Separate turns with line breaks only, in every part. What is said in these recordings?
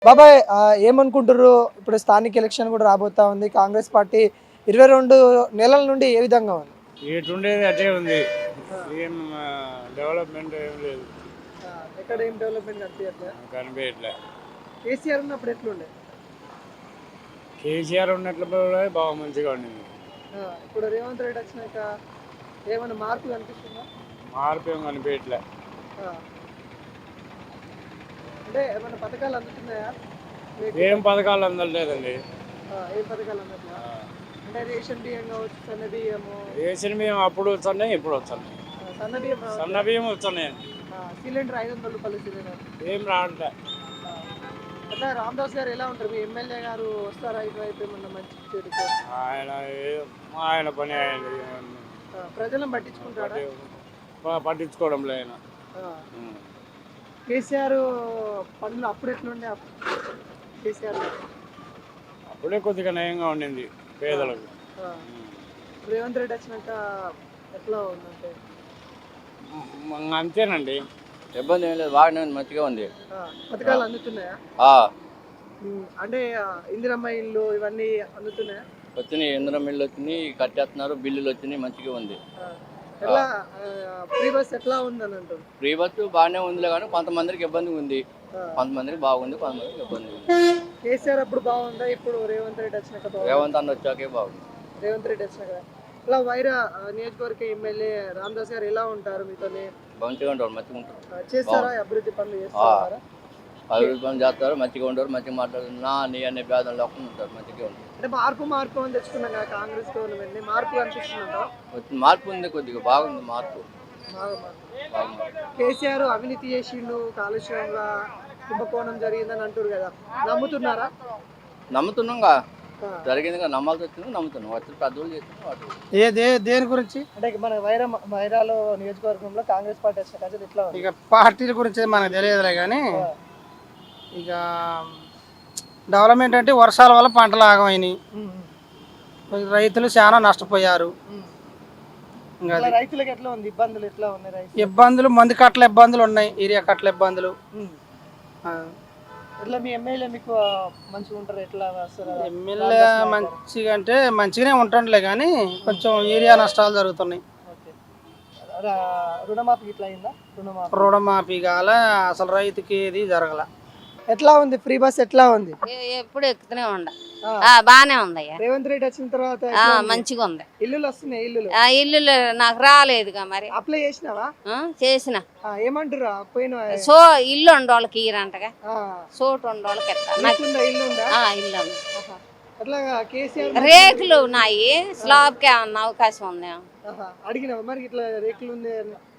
బాబాయ్ ఏమనుకుంటారు? ఇప్పుడు స్థానిక ఎలక్షన్ కూడా రాబోతా ఉంది. కాంగ్రెస్ పార్టీ 22 నెలల నుండి ఏ విధంగా ఉంది?
ఎటుండేది అదే ఉంది. ఏం డెవలప్మెంట్ ఏం లేదు,
ఎక్కడ ఏం డెవలప్మెంట్ కనిపించట్లేదు.
కనిపించట్లే.
కేసీఆర్ ఉన్నప్పుడు ఎట్లుండే?
కేసీఆర్ ఉన్నట్లు బాగా మంచిగా ఉండింది.
ఇప్పుడు రేవంత్ రెడ్డి వచ్చినాక ఏమైనా మార్పు కనిపిస్తుందా?
మార్పు ఏం కనిపించట్లే.
అంటే ఏమైనా పథకాలు అందుతున్నాయా?
ఏం పథకాలు అందలేదండి.
ఏం పథకాలు అందట్లా? అంటే రేషన్ బియ్యం కావచ్చు, సన్న బియ్యము.
రేషన్ బియ్యం అప్పుడు వస్తున్నాయి, ఇప్పుడు వస్తున్నాయి.
సన్న బియ్యం
సన్న బియ్యం వస్తున్నాయి.
సిలిండర్ 500 రూపాయలు సిలిండర్
ఏం రావట్లే.
అట్లా రామదాస్ గారు ఎలా ఉంటారు? మీ ఎమ్మెల్యే గారు వస్తారా ఇటువైపు ఏమన్నా మంచి చెడుకు?
ఆయన పని ఆయన
ప్రజలను పట్టించుకుంటారా?
పట్టించుకోవడం లేదు.
కేసీఆర్ పనులు అప్పుడు ఎట్లుండే? కేసీఆర్
అప్పుడే కొద్దిగా నయంగా ఉండింది పేదలకు.
రేవంత్ రెడ్డి వచ్చినాక ఎట్లా ఉందంటే?
అంతేనండి,
ఇబ్బంది ఏం లేదు, బాగానే ఉంది, మంచిగా ఉంది.
పథకాలు అందుతున్నాయా? అంటే ఇందిరమ్మ ఇల్లు ఇవన్నీ అందుతున్నాయా?
వచ్చినాయి, ఇంధనం బిల్లు వచ్చినాయి, కట్టేస్తున్నారు, బిల్లులు వచ్చినాయి, మంచిగా ఉంది.
ఎలా ఫ్రీ బస్ ఎట్లా ఉందని అంటారు?
ఫ్రీ బస్సు బాగానే ఉందిలే, కానీ కొంతమందికి ఇబ్బంది ఉంది, కొంతమందికి బాగుంది, కొంతమందికి ఇబ్బంది ఉంది.
కేసీఆర్ అప్పుడు బాగుందా? ఇప్పుడు రేవంత్ రెడ్డి వచ్చినాక?
రేవంత్ అన్న వచ్చాకే బాగుంది.
రేవంత్ రెడ్డి వచ్చినాక ఇలా వైరా నియోజకవర్గ ఎమ్మెల్యే రామదాస్ గారు ఎలా ఉంటారు? మీతోనే
మంచిగా ఉంటారు, మంచిగా ఉంటారు.
చేస్తారా? అభివృద్ధి పనులు చేస్తారా?
అభివృద్ధి పనులు చేస్తారు, మంచిగా ఉంటారు, మంచిగా మాట్లాడుతున్నారు, నీ అనే భేదం లేకుండా ఉంటారు, మంచిగా ఉంటారు.
అంటే మార్పు అని తెచ్చుకున్నాం కదా కాంగ్రెస్ గవర్నమెంట్, మార్పు అనిపిస్తుందా?
మార్పు ఉంది, కొద్దిగా బాగుంది మార్పు.
కేసీఆర్ అవినీతి చేసిండు, కాలుష్యంగా కుంభకోణం జరిగిందని అంటారు కదా, నమ్ముతున్నారా?
నమ్ముతున్నాంగా, జరిగింది, నమ్మాల్సి వచ్చింది, నమ్ముతున్నాం. వచ్చి పెద్దోళ్ళు
చేస్తున్నాం. దేని గురించి అంటే మన వైరాలో నియోజకవర్గంలో కాంగ్రెస్ పార్టీ వచ్చిన ప్రజలు ఇట్లా
ఇక పార్టీల గురించి మనకు తెలియదులే, కానీ ఇక డెవలప్మెంట్ అంటే వర్షాల వల్ల పంటలు ఆగమైనాయి, రైతులు చాలా నష్టపోయారు.
రైతులకు ఎట్లా ఉంది? ఇబ్బందులు ఎట్లా ఉన్నాయి?
ఇబ్బందులు మంది కట్టల ఇబ్బందులు ఉన్నాయి, ఏరియా కట్టల ఇబ్బందులు.
ఎట్లా మీ ఎమ్మెల్యే మీకు మంచిగా ఉంటారు? ఎట్లా వస్తారు?
ఎమ్మెల్యే మంచిగా అంటే మంచిగానే ఉంటుండలే, కానీ కొంచెం ఏరియా నష్టాలు జరుగుతున్నాయి.
రుణమాఫీ ఇట్లా అయిందా?
రుణమాఫీ కాల, అసలు రైతుకి ఏది జరగల.
ఎట్లా ఉంది? ఫ్రీ బస్ ఎట్లా ఉంది?
ఎప్పుడు ఎక్కుతూనే ఉండ, బానే ఉంది.
రేవంత్ రెడ్డి వచ్చిన తర్వాత
మంచిగా ఉంది.
ఇల్లులు వస్తున్నాయి?
ఇల్లు నాకు రాలేదుగా, మరి
అప్లై చేసినావా?
చేసిన.
ఏమంటారు?
సో ఇల్లు ఉండే వాళ్ళకి ఇయ్యరంటగా, చోటు ఉండే వాళ్ళకి
ఇల్లు ఉందా?
ఇల్లు ఉంది.
అట్లా కేసీఆర్
రేకులు ఉన్నాయి, స్లాబ్ కి ఏమన్నా అవకాశం ఉంది?
అడిగినావా మరి ఇట్లా రేకులు ఉంది?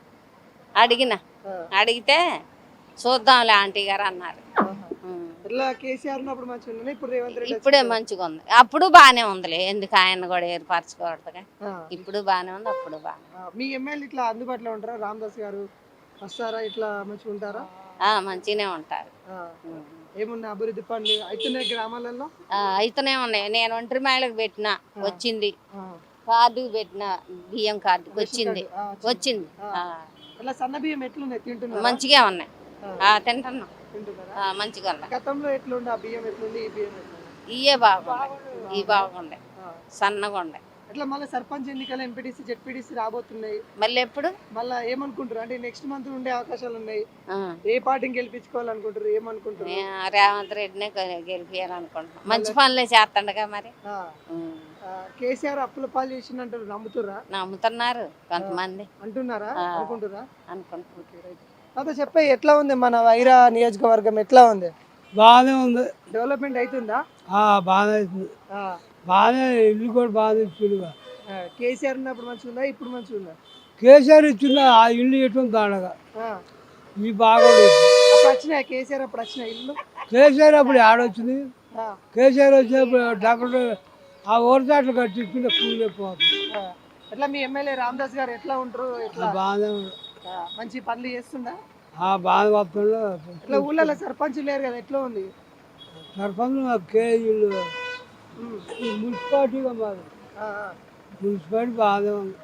అడిగితే చూద్దాంలే ఆంటీ గారు అన్నారు.
కేసీఆర్ ఉన్నప్పుడు మంచిగా ఉంది, ఇప్పుడు రేవంత్ రెడ్డి
ఇప్పుడే మంచిగా ఉంది. అప్పుడు బానే ఉందిలే, ఎందుకు ఆయన కూడా ఏర్పరచుకోవడదుగా. ఇప్పుడు బానే ఉంది, అప్పుడు బానే.
మీ ఎమ్మెల్యే ఇట్లా అందుబాటులో ఉంటారా? రామదాస్ గారు వస్తారా? ఇట్లా మంచిగా ఉంటారా?
మంచిగానే ఉంటారు.
ఏమున్నా అభివృద్ధి పనులు అవుతున్నాయి గ్రామాలలో?
అయితేనే ఉన్నాయి. నేను ఒంటరి మహిళకు పెట్టిన, వచ్చింది. కార్డు పెట్టిన, బియ్యం కార్డు వచ్చింది.
అట్లా సన్న బియ్యం ఎట్లున్నాయి? తింటున్నా?
మంచిగా ఉన్నాయి, తింటున్నాం, మంచిగా ఉన్నాయి.
గతంలో ఎట్లుండే ఆ బియ్యం? ఎట్లుంది ఈ బియ్యం?
ఇవే బాగుండే, ఇవి బాగుండే, సన్నగా ఉండే.
అట్లా మళ్ళీ సర్పంచ్ ఎన్నికలు, ఎంపీటీసీ, జెడ్పీటీసీ రాబోతున్నాయి.
మళ్ళీ ఎప్పుడు?
మళ్ళీ ఏమనుకుంటారు? అంటే నెక్స్ట్ మంత్ ఉండే అవకాశాలు ఉన్నాయి. ఏ పార్టీని గెలిపించుకోవాలనుకుంటారు? ఏమనుకుంటారు?
రేవంత్ రెడ్డినే గెలిపియాలనుకుంటున్నాం, మంచి పనులే చేస్తాడుగా. మరి
కేసీఆర్ అప్పుల పాలు చేసిందంటారు, నమ్ముతురా?
నమ్ముతున్నారు కొంతమంది,
అంటున్నారా? అనుకుంటురా?
అనుకుంటున్నారు.
అదే చెప్పే, ఎట్లా ఉంది మన వైరా నియోజకవర్గం? ఎట్లా ఉంది?
బాగానే ఉంది.
డెవలప్మెంట్ అవుతుందా?
బాగానే అవుతుంది, బాగానే. ఇల్లు కూడా బాగానే ఇచ్చిండుగా.
కేసీఆర్ ఉన్నప్పుడు మంచిగా ఉందా? ఇప్పుడు మంచిగా ఉందా?
కేసీఆర్ ఇచ్చిందా? ఆ ఇల్లు ఎటువంటి దాడగా ఇవి బాగా
వచ్చినాయి. కేసీఆర్ అప్పుడు వచ్చిన ఇల్లు?
కేసీఆర్ అప్పుడు ఆడొచ్చింది. కేసీఆర్ వచ్చినప్పుడు డాక్టర్ ఆ ఓరచాట్లు కట్టించుకుంటే కూలి పోతుంది.
ఎట్లా మీ ఎమ్మెల్యే రామదాస్ గారు ఎట్లా ఉంటారు?
బాగానే
మంచి పనులు చేస్తుందా?
బాగా వస్తుండ.
ఇట్లా ఊళ్ళలో సర్పంచ్ లేరు కదా, ఎట్లా ఉంది?
సర్పంచ్ కేజీలు మున్సిపాలిటీగా మాది, మున్సిపాలిటీ బాగానే ఉంది.